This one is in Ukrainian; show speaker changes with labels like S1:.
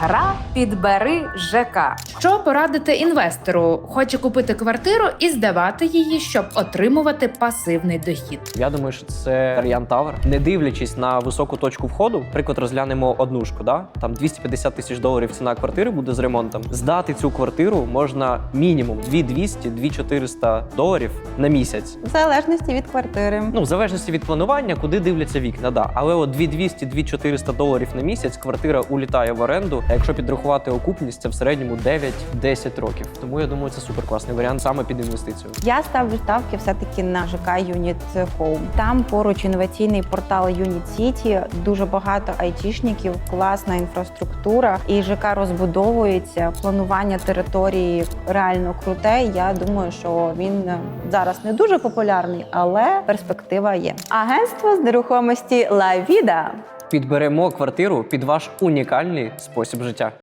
S1: Гра «Підбери ЖК».
S2: Що порадити інвестору? Хоче купити квартиру і здавати її, щоб отримувати пасивний дохід.
S3: Я думаю, що це варіант Тавер. Не дивлячись на високу точку входу, приклад розглянемо однушку, да? Там 250 тисяч доларів ціна квартири буде з ремонтом. Здати цю квартиру можна мінімум 2200-2400 доларів на місяць.
S4: В залежності від квартири.
S3: Ну, в залежності від планування, куди дивляться вікна, да. Але от 2200-2400 доларів на місяць квартира улітає в оренду, а якщо підрахувати окупність, це в середньому 9-10 років. Тому я думаю, це суперкласний варіант саме під інвестицію.
S4: Я ставлю ставки все-таки на ЖК Unit Home. Там поруч інноваційний портал Unit City, дуже багато айтішників, класна інфраструктура, і ЖК розбудовується, планування території реально круте. Я думаю, що він зараз не дуже популярний, але перспектива є. Агентство з нерухомості La Vida.
S3: Підберемо квартиру під ваш унікальний спосіб життя.